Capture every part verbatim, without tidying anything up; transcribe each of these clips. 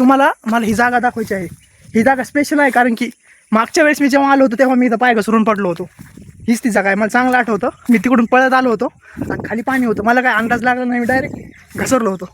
तुम्हाला मला ही जागा दाखवायची आहे. ही जागा स्पेशल आहे कारण की मागच्या वेळेस मी जेव्हा आलो होतो तेव्हा मी इथं पाय घसरून पडलो होतो. हीच ती जागा आहे. मला चांगलं आठवतं. मी तिकडून पळत आलो होतो आणि खाली पाणी होतं. मला काय अंदाज लागला नाही, मी डायरेक्ट घसरलो होतो.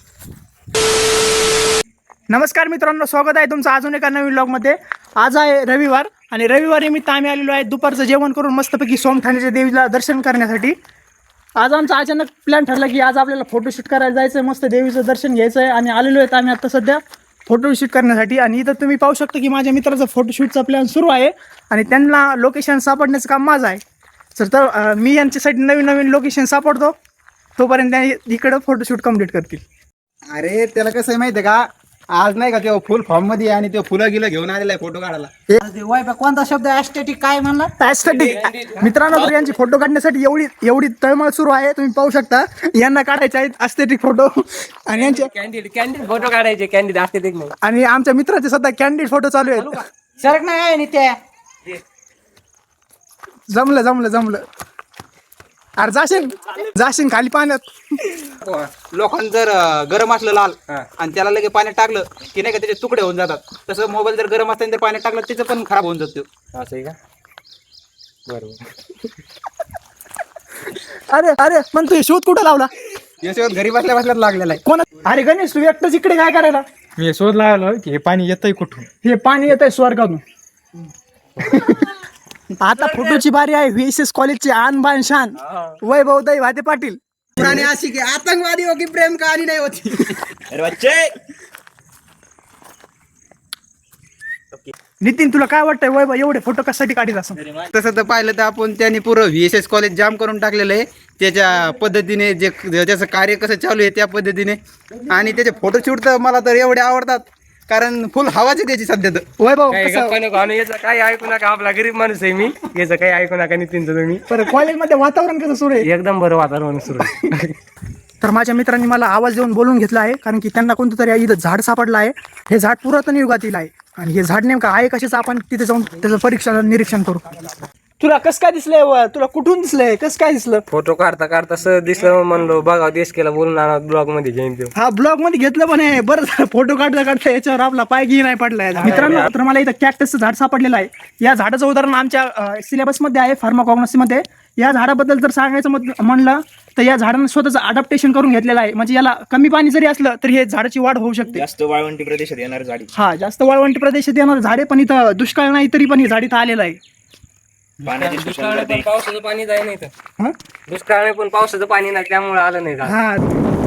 नमस्कार मित्रांनो, स्वागत आहे तुमचं अजून एका नवीन व्लॉगमध्ये. आज आहे रविवार आणि रविवार निमित्त आम्ही आलेलो आहे दुपारचं जेवण करून मस्तपैकी सोमठाण्याच्या देवीला दर्शन करण्यासाठी. आज आमचा अचानक प्लॅन ठरला की आज आपल्याला फोटोशूट करायला जायचं आहे, मस्त देवीचं दर्शन घ्यायचं आहे आणि आलेलो आहेत आम्ही आता सध्या फोटोशूट करण्यासाठी. आणि इथं तुम्ही पाहू शकता की माझ्या मित्राचा फोटोशूटचा प्लॅन सुरू आहे आणि त्यांना लोकेशन सापडण्याचं काम माझं आहे. सर तर मी यांच्यासाठी नवीन नवीन लोकेशन सापडतो, तोपर्यंत त्या इकडं फोटोशूट कंप्लीट करतील. अरे त्याला कसं आहे माहिती आहे का, आज नाही का तेव्हा फुल फॉर्म मध्ये आणि ते फुलं गिलं घेऊन आलेला आहे फोटो काढायला. कोणता शब्द ॲस्थेटिक काय म्हणला? ॲस्थेटिक मित्रांनो, तर यांची फोटो काढण्यासाठी एवढी एवढी तळमळ सुरू आहे, तुम्ही पाहू शकता. यांना काढायचे आहेत ॲस्थेटिक फोटो आणि यांचे कॅन्डिड कॅन्डिड फोटो काढायचे, कॅन्डिड ॲस्थेटिक नाही. आणि आमच्या मित्राचे सध्या कॅन्डिड फोटो चालू आहेत. सरक नाही आणि त्या जमलं जमलं जमलं अरे जाशील जाशील खाली पाण्यात. लोकांना जर अं, गरम असलं लाल आणि त्याला लगे पाण्यात टाकलं की नाही का त्याचे तुकडे होऊन जातात. तसं मोबाईल जर गरम असताना जर पाण्यात टाकलं त्याचं पण खराब होऊन जातो. असं आहे का? बरोबर. अरे अरे पण तू हे शोध कुठं लावला? याच्यावर घरी बसल्या बसल्यात लागलेला आहे. कोण? अरे गणेश, तू एकटाच इकडे काय करायला? मी शोध लावला की हे पाणी येतंय कुठून. हे पाणी येत आहे स्वर्गातून. आता फोटोची बारी आहे. व्ही एस एस कॉलेजचे आन बान शान वैभव दई वाते पाटील. पुराणी अशी की आतंकवादी हो की प्रेम कहाणी नाही होती. नितीन, तुला काय वाटतंय वैभव एवढे फोटो कशासाठी काढीत असं? तसं तर पाहिलं तर आपण त्यांनी पूर्ण V S S college jam करून टाकलेलं आहे. त्याच्या पद्धतीने जे त्याचं कार्य कसं चालू आहे त्या पद्धतीने. आणि त्याचे फोटोशूट तर मला तर एवढे आवडतात कारण फुल हवाच आहे त्याची सध्या तर. वैभव काही कसं? गप्पा नको आणू, याचं काही ऐकू नका. आपला गरीब माणूस आहे मी, याचं काही ऐकू नका. नितीनचं तुम्ही बरं, कॉलेजमध्ये वातावरण कसं सुरू आहे? एकदम बरं वातावरण सुरू आहे. तर माझ्या मित्रांनी मला आवाज देऊन बोलून घेतला आहे कारण की त्यांना कोणतं तरी इथं झाड सापडलं आहे. हे झाड पुरातन युगातील आहे आणि हे झाड नेमकं आहे कशाचं आपण तिथे जाऊन त्याचं परीक्षण निरीक्षण करू. तुला कसं काय दिसलंय व? तुला कुठून दिसलंय? कसं काय दिसलं? फोटो काढता काढता सहज दिसलं, म्हणलो बघा देश केला बोलून आणा ब्लॉग मध्ये घेईन तो. हा ब्लॉग मध्ये घेतलं पण आहे. बरं झालं फोटो काढता काढता याच्यावर आपला पाय घी नाही पडलाय. मित्रांनो, तर मला इथं कॅक्टसचं झाड सापडलेलं आहे. या झाडाचं उदाहरण आमच्या सिलेबस मध्ये आहे फार्माकॉग्नॉसी मध्ये. या झाडाबद्दल जर सांगायचं मत- म्हणलं तर या झाडानं स्वतःचं अडॅप्टेशन करून घेतलेलं आहे. म्हणजे याला कमी पाणी जरी असलं तरी हे झाडाची वाढ होऊ शकते. जास्त वाळवंटी प्रदेशात येणार झाडी. हा, जास्त वाळवंटी प्रदेशात येणार झाडे, पण इथं दुष्काळ नाही तरी पण ही झाड इथं आलेलं आहे. पाण्याची दुष्काळ पण पावसाचं पाणी जाय नाही तर. हा? दुष्काळ पण पावसाचं पाणी नाही त्यामुळे आलं नाही झाड. हा